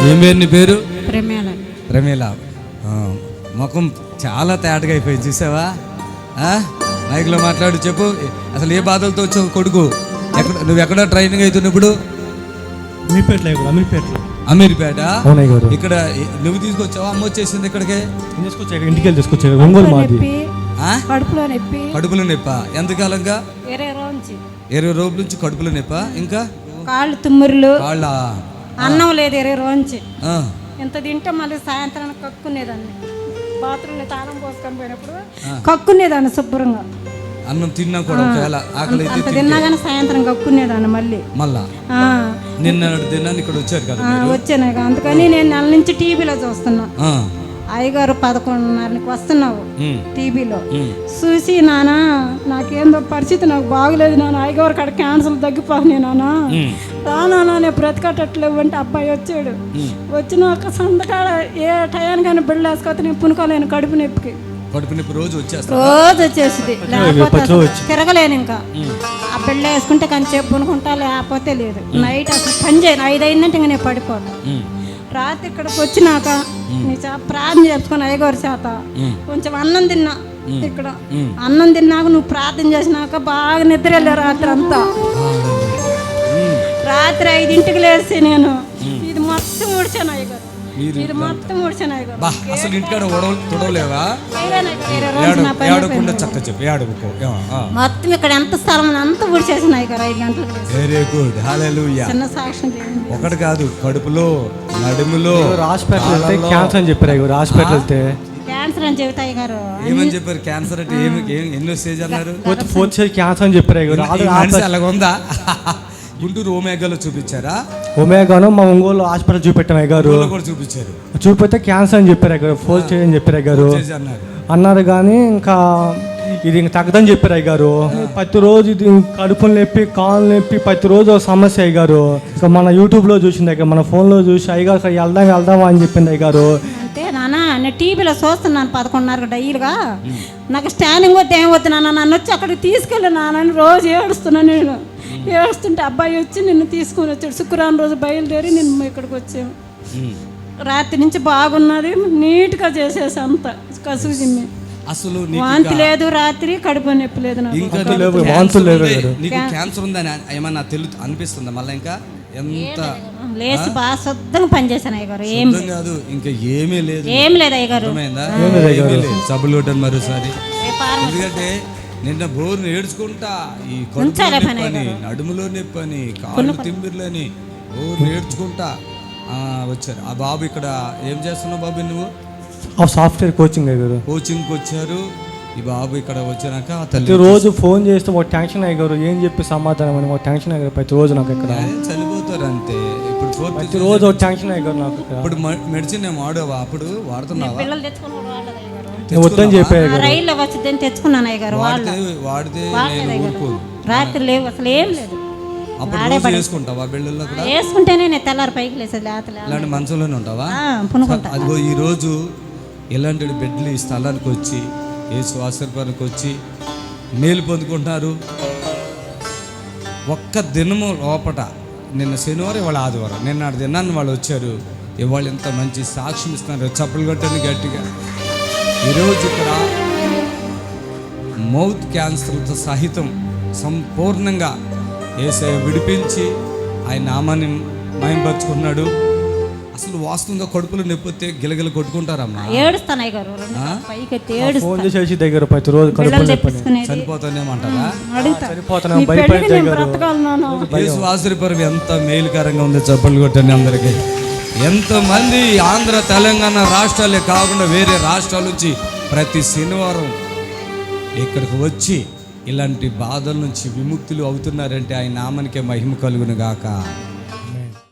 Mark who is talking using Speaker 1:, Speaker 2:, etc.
Speaker 1: ఏం పేరు నీ పేరు?
Speaker 2: ప్రమేల.
Speaker 1: ప్రమేల. ముఖం చాలా తేటగా అయిపోయింది చూసావా? మైక్లో మాట్లాడు, చెప్పు అసలు ఏ బాధలతో వచ్చావు కొడుకు? నువ్వు ఎక్కడ ట్రైనింగ్ అవుతున్నప్పుడు? అమీర్పేట. ఇక్కడ నువ్వు తీసుకొచ్చావా? అమ్మ వచ్చేసింది ఇక్కడికి?
Speaker 3: ఇంటికి వెళ్ళి తీసుకొచ్చావు. ఒంగోలు మాది.
Speaker 1: కడుపులో నొప్ప ఎంతకాలంగా? 20 రోజుల నుంచి కడుపులో నొప్ప. ఇంకా
Speaker 2: కాళ్ళు తుమ్మురులు,
Speaker 1: కాళ్ళ
Speaker 2: అన్నం లేదు 20 రోజు నుంచి. ఎంత తింటే మళ్ళీ సాయంత్రం కక్కునేదాన్ని. బాత్రూంలో తాళం పోసుకొని పోయినప్పుడు కక్కునేదాన్ని శుభ్రంగా.
Speaker 1: అన్నం తిన్నా కూడా ఒకవేళ ఆకలి అయితే
Speaker 2: తిన్నా కానీ సాయంత్రం కక్కునేదాన్ని మళ్ళీ.
Speaker 1: నిన్న తిన్నాను ఇక్కడ వచ్చారు కదా?
Speaker 2: వచ్చాను. అందుకని నేను నెల నుంచి టీవీలో చూస్తున్నా. అయ్యగారు 11:30కి వస్తున్నావు టీవీలో చూసి, నానా నాకేందో పరిస్థితి నాకు బాగలేదు నాన్న, అయ్యగారు కాడ క్యాన్సర్ తగ్గిపోయి నానా రానా నేను బ్రతకట్లేవు అంటే అబ్బాయి వచ్చాడు. వచ్చినాక సంతకాడ ఏ టయానికైనా బిడ్డలు వేసుకోతే నేను పునుకోలేను కడుపు నొప్పికి.
Speaker 1: రోజు
Speaker 2: వచ్చేసింది. లేకపోతే తిరగలేను ఇంకా. ఆ బిడ్డ వేసుకుంటే కొంచెం పునుకుంటా, లేకపోతే లేదు. నైట్ అసలు పని చేయను. 5 అయిందంటే ఇంకా నేను పడిపోను. రాత్రి ఇక్కడికి వచ్చినాక నీ ప్రార్థన చేసుకుని అయ్యగారి చేత కొంచెం అన్నం తిన్నా. ఇక్కడ అన్నం తిన్నాక నువ్వు ప్రార్థన చేసినాక బాగా నిద్ర వెళ్ళా రాత్రి అంతా. రాత్రి 5ంటికి లేచి నేను ఇది మొత్తం ఊడ్చాను అయ్యగారు. ఇది మొత్తం ఊడ్చాను అయ్యగారు.
Speaker 1: అసలు ఇంటికాడ తుడవలేవా?
Speaker 2: మొత్తం ఇక్కడ ఎంత స్థలం అంతా ఊడ్చేసాను అయ్యగారు 5 గంటలకు.
Speaker 1: Very good. హల్లెలూయా.
Speaker 2: చిన్న సాక్ష్యం
Speaker 1: ఒకటి కాదు, కడుపులో నడుములో
Speaker 3: హాస్పిటల్ క్యాన్సర్ అని చెప్పారు. హాస్పిటల్ వెళ్తే
Speaker 2: క్యాన్సర్ అని చెబుతాయి గారు.
Speaker 1: ఏమని చెప్పారు? క్యాన్సర్ అంటే ఎన్నో స్టేజ్ అన్నారు?
Speaker 3: 4th స్టేజ్ క్యాన్సర్ అని చెప్పారు.
Speaker 1: అలాగుందా? గుంటూరు ఓమేగాలో చూపించారా?
Speaker 3: ఓమేగాను మా ఒంగోలు హాస్పిటల్ చూపెట్టాం అయ్యారు.
Speaker 1: చూపించారు.
Speaker 3: చూపితే క్యాన్సర్ అని చెప్పారు అయ్యారు. 4th స్టేజ్ అని చెప్పారు అయ్యారు. అన్నారు కానీ ఇంకా ఇది ఇంక తగ్గదని చెప్పారు అయ్యారు. ప్రతిరోజు ఇది కడుపులు నొప్పి, కాళ్ళు నొప్పి, ప్రతిరోజు ఒక సమస్య అయ్యారు. ఇంకా మన యూట్యూబ్లో చూసింది అయ్యారు, మన ఫోన్లో చూసి అయ్యారు వెళ్దామా అని చెప్పింది అయ్యారు.
Speaker 2: అంటే నాన్న నేను టీవీలో చూస్తున్నాను 11:30 డైలీగా. నాకు స్టాండింగ్ వద్దు ఏం వద్దు నాన్న, నన్ను వచ్చి అక్కడికి తీసుకెళ్ళి నాన్న రోజు ఏడుస్తున్నాను. నేను ఏడుస్తుంటే అబ్బాయి వచ్చి నిన్ను తీసుకొని వచ్చాడు. శుక్రవారం రోజు బయలుదేరి నిన్ను ఇక్కడికి వచ్చాము. రాత్రి నుంచి బాగున్నది, నీట్గా చేసేసి అంత కసుజిమ్మి.
Speaker 1: అసలు
Speaker 2: వాంతి లేదు, రాత్రి కడుపు నొప్పి లేదు.
Speaker 1: క్యాన్సర్ ఉందని ఏమన్నా అనిపిస్తుందా మళ్ళీ? ఇంకా ఎంత
Speaker 2: లేచి బాగా శుద్ధంగా పనిచేశాను అయ్యగారు. ఏం
Speaker 1: కాదు, ఇంకా ఏమీ లేదు.
Speaker 2: ఏం లేదు అయ్యగారు.
Speaker 1: సబ్బులు కొట్టాను మరోసారి. ఎందుకంటే నిన్న బోర్ని ఏడ్చుకుంటా ఈ నడుములో నొప్పని, కాళ్ళు తిమ్మిర్లని బోర్ని ఏడ్చుకుంటా వచ్చారు. ఆ బాబు ఇక్కడ ఏం చేస్తున్నావు బాబు? నువ్వు
Speaker 3: సాఫ్ట్వేర్ కోచింగ్ అయ్యారు.
Speaker 1: కోచింగ్కి వచ్చారు. ఈ బాబు ఇక్కడ వచ్చినాక
Speaker 3: రోజు ఫోన్ చేస్తే ఒక టెన్షన్ అయ్యారు. ఏం చెప్పి సమాధానం అని ఒక టెన్షన్ అయ్యారు. ప్రతిరోజు నాకు ఇక్కడ
Speaker 1: చనిపోతారు అంతే. ఇప్పుడు
Speaker 3: ప్రతిరోజు ఒక టెన్షన్ అయ్యారు నాకు.
Speaker 1: ఇప్పుడు మెడిసిన్ ఏం వాడవా? అప్పుడు వాడుతున్నావా?
Speaker 3: వద్దని చెప్పారు.
Speaker 2: రైల్లో వచ్చిందని తెచ్చుకున్నాను అయ్యగారు.
Speaker 1: వాడితే
Speaker 2: రాత్రి లేవు అసలు ఏం లేదు.
Speaker 1: వేసుకుంటావా బిళ్ళల్లో?
Speaker 2: వేసుకుంటేనే నేను తెల్లారి పైకి లేసేది.
Speaker 1: ఇలాంటి మంచంలోనే ఉంటావా? అదిగో ఈ రోజు ఇలాంటి బిడ్డలు ఈ స్థలానికి వచ్చి యేసు ఆశీర్వాదానికి వచ్చి మేలు పొందుకుంటున్నారు. ఒక్క దినము లోపట, నిన్న శనివారం ఇవాళ ఆదివారం, నిన్న దినాన్ని వాళ్ళు వచ్చారు. ఇవాళ ఎంత మంచి సాక్ష్యం ఇస్తున్నారు. చప్పలు కొట్టండి గట్టిగా. ఈరోజు ఇక్కడ మౌత్ క్యాన్సర్తో సహితం సంపూర్ణంగా యేసయ్య విడిపించి ఆయన నామాన్ని మహిమపరుచుకున్నాడు. అసలు వాస్తవంగా కడుపులో నొప్పితే గిలగిల కొట్టుకుంటారమ్మా. చనిపోతానేమంటారా? ఆశ్చర్యపరం ఎంత మేలుకరంగా ఉంది. చప్పలు కొట్టండి అందరికీ. ఎంతమంది ఆంధ్ర తెలంగాణ రాష్ట్రాలే కాకుండా వేరే రాష్ట్రాల నుంచి ప్రతి శనివారం ఇక్కడికి వచ్చి ఇలాంటి బాధల నుంచి విముక్తులు అవుతున్నారంటే ఆయన నామానికే మహిమ కలుగును గాక.